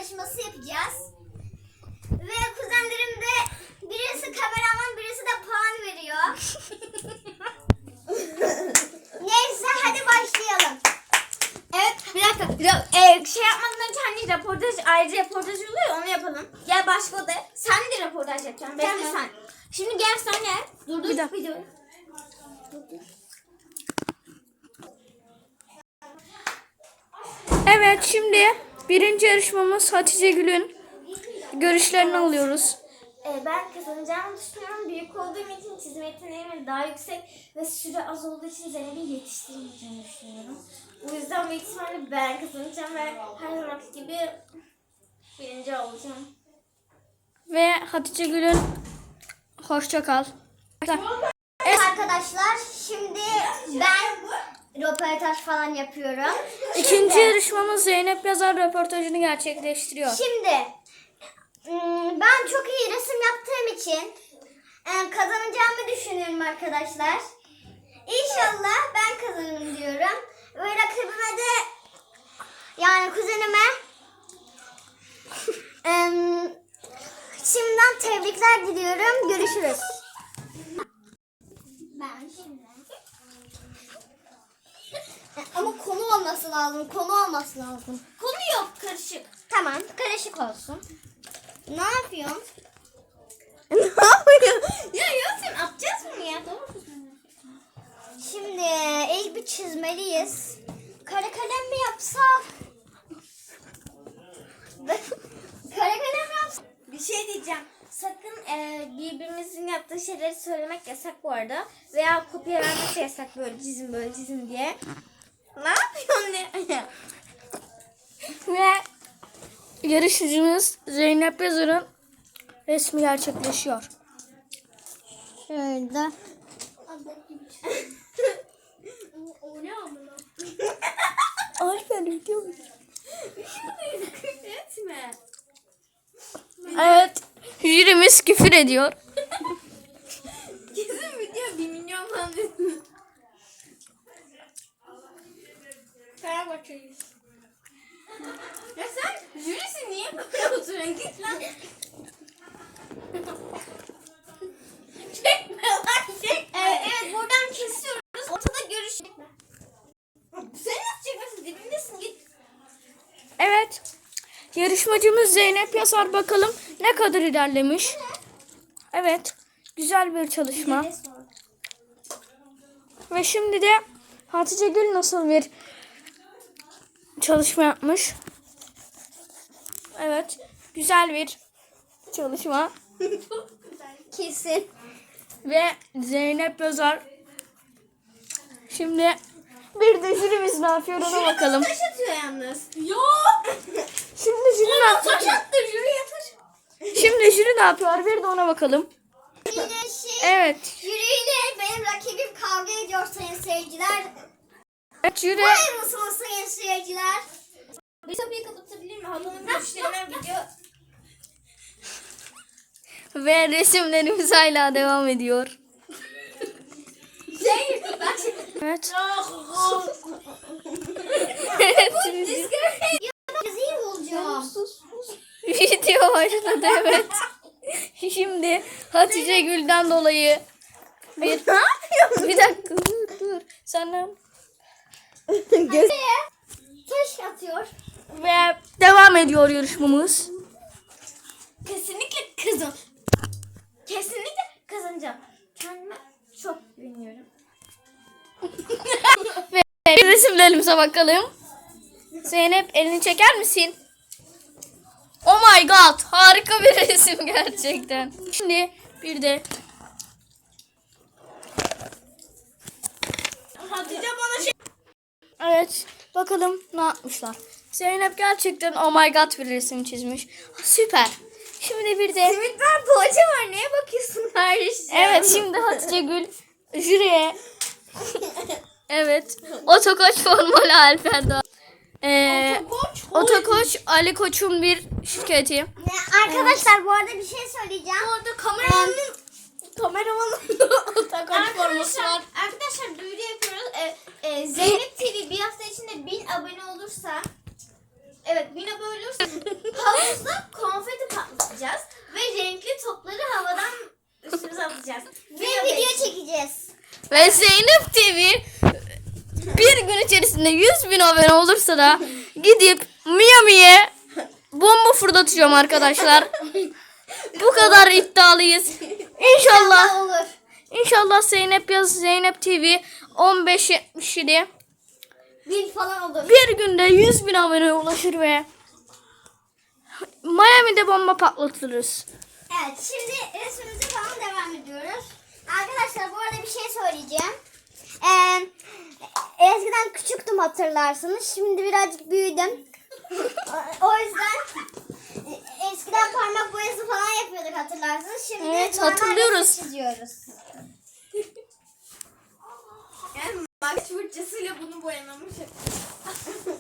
yarışması yapacağız. Ve kuzenlerim de birisi kameraman, birisi de puan veriyor. Neyse hadi başlayalım. Evet, bir dakika. Şey yapmadan önce hani röportaj, ayrıca röportaj oluyor, onu yapalım. Gel başka odaya. Sen de röportaj yapacaksın. Bekle Tamam. sen. Şimdi gel sen gel. Dur. Bir dakika. Videoyu. Evet, şimdi birinci yarışmamız Hatice Gül'ün görüşlerini alıyoruz. Ben kazanacağımı düşünüyorum. Büyük olduğum için çizim yeteneğim daha yüksek ve süre az olduğu için Zeynep'i yetiştiremeyeceğimi düşünüyorum. Bu yüzden büyük ihtimalle ben kazanacağım ve her zamanki gibi birinci olacağım. Ve Hatice Gül'ün hoşça kal. Evet arkadaşlar, şimdi ben röportaj falan yapıyorum. İkinci yarışmamız Zeynep Yazar röportajını gerçekleştiriyor. Şimdi ben çok iyi resim yaptığım için kazanacağımı düşünüyorum arkadaşlar. İnşallah ben kazanırım diyorum. Ve rakibime de yani kuzenime şimdiden tebrikler diliyorum. Görüşürüz. Ben şimdi. Ama konu olması lazım. Konu olması lazım. Konu yok, karışık. Tamam, karışık olsun. Ne yapıyorsun? Ne yapıyorsun? Ya Yasin, atacağız mı ya? Doğru. Şimdi ilk bir çizmeliyiz. Kara kalem mi yapsak? Kara kalem mi yapsak? Bir şey diyeceğim. Sakın birbirimizin yaptığı şeyleri söylemek yasak bu arada. Veya kopya vermek de yasak, böyle çizin diye. Ne yapıyorsun ne? Ve yarışmacımız Zeynep Yazar'ın resmi gerçekleşiyor. Şöyle. O ne amına? Alper video. Etme. Evet, jürimiz küfür ediyor. Kesin video 1 milyon falan dedim. Fenerbahçe'yiz. Ya sen jürisi niye böyle oturuyorsun? Git lan. Çekme lan, çekme. Evet, buradan kesiyoruz. Ortada görüş. Sen nasıl çekmesin? Dibindesin, git. Evet, yarışmacımız Zeynep Yazar bakalım ne kadar ilerlemiş. Evet, güzel bir çalışma. Ve şimdi de Hatice Gül nasıl bir çalışma yapmış. Evet, güzel bir çalışma. Kesin. Ve Zeynep Yazar. Şimdi bir de jürimiz ne yapıyor ona bakalım. Taş atıyor yalnız. Yok. Şimdi jüri ne yapıyor? Taş attı, jüriye taş. Şimdi jüri ne yapıyor? Bir de ona bakalım. Evet. Jüriyle benim rakibim kavga ediyor sayın seyirciler. Evet, jüri. Hayır mısınız sayın seyirciler? Bir kapıyı kapatabilir mi? Halanın görüşlerinden gidiyor. Ve resimlerimiz hala devam ediyor. Bak şimdi. Evet. Rezil olacağım. Video başladı, evet. Şimdi Hatice Gül'den dolayı bir dakika dur. Sana Taş atıyor. ve devam ediyor yarışmamız. Kesinlikle kızım. Kesinlikle kazanacağım. Kendime çok güveniyorum. Ve resimlerimize bakalım. Zeynep, elini çeker misin? Oh my god, harika bir resim gerçekten. Şimdi bir de Hatice bana şey... evet, bakalım ne yapmışlar. Zeynep gerçekten oh my god bir resim çizmiş. Süper. Şimdi bir de Simit var, poğaça var. Neye bakıyorsun kardeşim? evet, şimdi Hatice Gül jüriye evet, Otokoç formalı Alper Doğan. Otokoç Ali Koç'un bir şirketi. Arkadaşlar bu arada bir şey söyleyeceğim. Orada kameramanın otokoç forması var. Arkadaşlar duyuru yapıyoruz. Zeynep TV bir hafta içinde 1000 abone olursa Evet, yine böyle olursa havuzda konfeti patlatacağız ve renkli topları havadan üstümüze atacağız. Ve video çekeceğiz. Ve Zeynep TV bir gün içerisinde 100.000 abone olursa da gidip Miami'ye bomba fırlatacağım arkadaşlar. Bu kadar iddialıyız. İnşallah. Olur. İnşallah Zeynep yaz Zeynep TV 1577 1000 falan olur. bir günde 100.000 aboneye ulaşır ve Miami'de bomba patlatırız. Evet, şimdi resmimize falan devam ediyoruz. Arkadaşlar, bu arada bir şey söyleyeceğim. Eskiden küçüktüm, hatırlarsınız. Şimdi birazcık büyüdüm. O yüzden eskiden parmak boyası falan yapıyorduk, hatırlarsınız. Şimdi Evet, normal hatırlıyoruz. resim çiziyoruz. Yani makyaj fırçasıyla bunu boyamamış.